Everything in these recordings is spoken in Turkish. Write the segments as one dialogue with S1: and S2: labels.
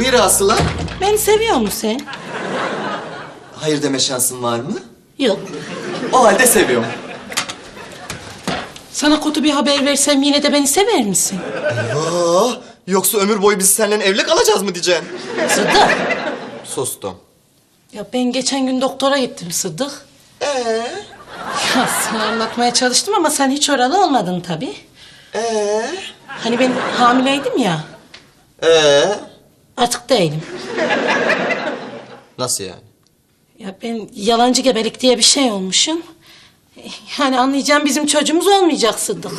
S1: Buyur Aslı.
S2: Beni seviyor musun sen?
S1: Hayır deme şansın var mı?
S2: Yok.
S1: O halde seviyorum.
S2: Sana kötü bir haber versem yine de beni sever misin?
S1: Eyvah! Yoksa ömür boyu biz seninle evli kalacağız mı diyeceksin?
S2: Sıddık.
S1: Sustum.
S2: Ya ben geçen gün doktora gittim Sıddık. Ya sana anlatmaya çalıştım ama sen hiç oralı olmadın tabii. Hani ben hamileydim ya. Artık değilim.
S1: Nasıl yani?
S2: Ya ben yalancı gebelik diye bir şey olmuşum. Yani anlayacağım bizim çocuğumuz olmayacak Sıddık.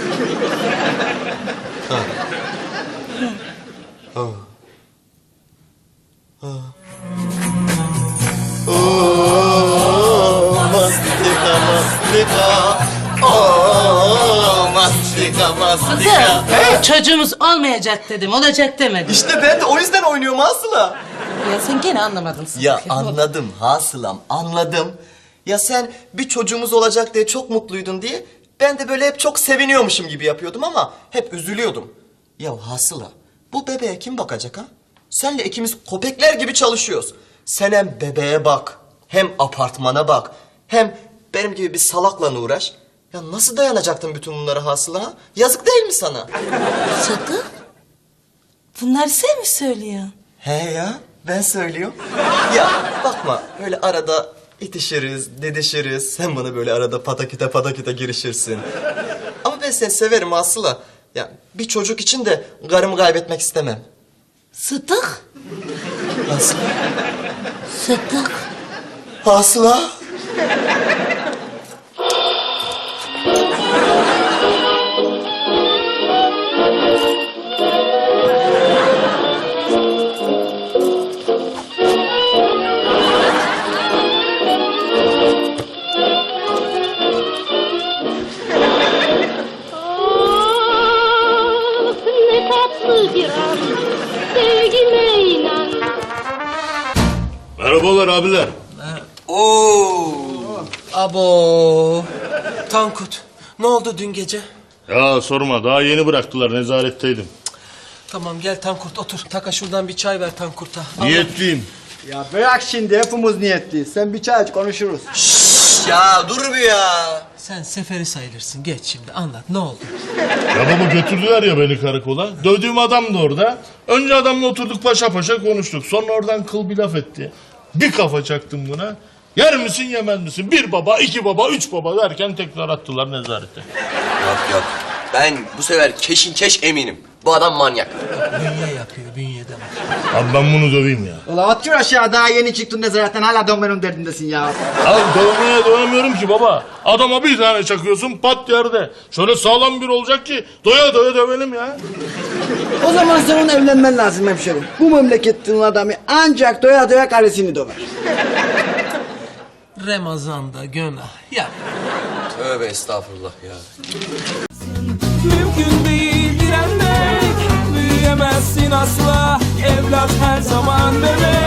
S2: Sıddık, çocuğumuz olmayacak dedim, olacak demedim.
S1: İşte ben de o yüzden oynuyorum Aslı.
S2: Ya sen gene anlamadın Sıddık.
S1: Ya anladım Hasılam, anladım. Ya sen bir çocuğumuz olacak diye çok mutluydun diye... ...ben de böyle hep çok seviniyormuşum gibi yapıyordum ama hep üzülüyordum. Ya Hasıla, bu bebeğe kim bakacak ha? Senle ikimiz köpekler gibi çalışıyoruz. Sen hem bebeğe bak, hem apartmana bak... ...hem benim gibi bir salakla uğraş. Ya nasıl dayanacaktın bütün bunlara Hasıla ha? Yazık değil mi sana?
S2: Sıddık, bunları sen mi söylüyorsun?
S1: He ya, ben söylüyorum. Ya bakma, öyle arada itişiriz, didişiriz. Sen bana böyle arada pataküte girişirsin. Ama ben seni severim Aslı. Ya bir çocuk için de karımı kaybetmek istemem.
S2: Sıddık,
S1: Aslı.
S2: Sıddık.
S1: Aslı.
S3: Merhabalar abiler.
S4: Abo. Tankut, ne oldu dün gece?
S3: Ya sorma, daha yeni bıraktılar, nezaretteydim.
S4: Tamam gel Tankurt otur. Taka şuradan bir çay ver Tankurt'a.
S3: Niyetliyim.
S5: Ya bırak şimdi hepimiz niyetliyiz. Sen bir çay aç konuşuruz.
S1: Ya dur bir ya.
S4: Sen seferi sayılırsın. Geç şimdi anlat ne oldu?
S3: Ya baba götürdüler ya beni karakola. Dövdüğüm adam da orada. Önce adamla oturduk paşa paşa konuştuk. Sonra oradan kıl bir laf etti. Bir kafa çaktım buna. Yer misin yemez misin? Bir baba, iki baba, üç baba derken tekrar attılar nezarete.
S6: Yok. Ben bu sefer keş eminim. Bu adam manyak.
S4: Bünye yapıyor bünyede var.
S3: Abi ben bunu döveyim ya.
S5: Ulan otur aşağı, daha yeni çıktın nezaretten hala dönmenin derdindesin ya.
S3: Abi dövmeye doyamıyorum ki baba. Adama bir tane çakıyorsun pat yerde. Şöyle sağlam bir olacak ki doya doya dövelim ya.
S5: O zaman senin evlenmen lazım hemşerim. Bu memleketin adamı ancak doya doya karısını döver.
S4: Ramazan'da günah yap.
S6: Tövbe estağfurullah ya.
S7: Mümkün değil direnmek, büyüyemezsin asla. Evlat her zaman bebek.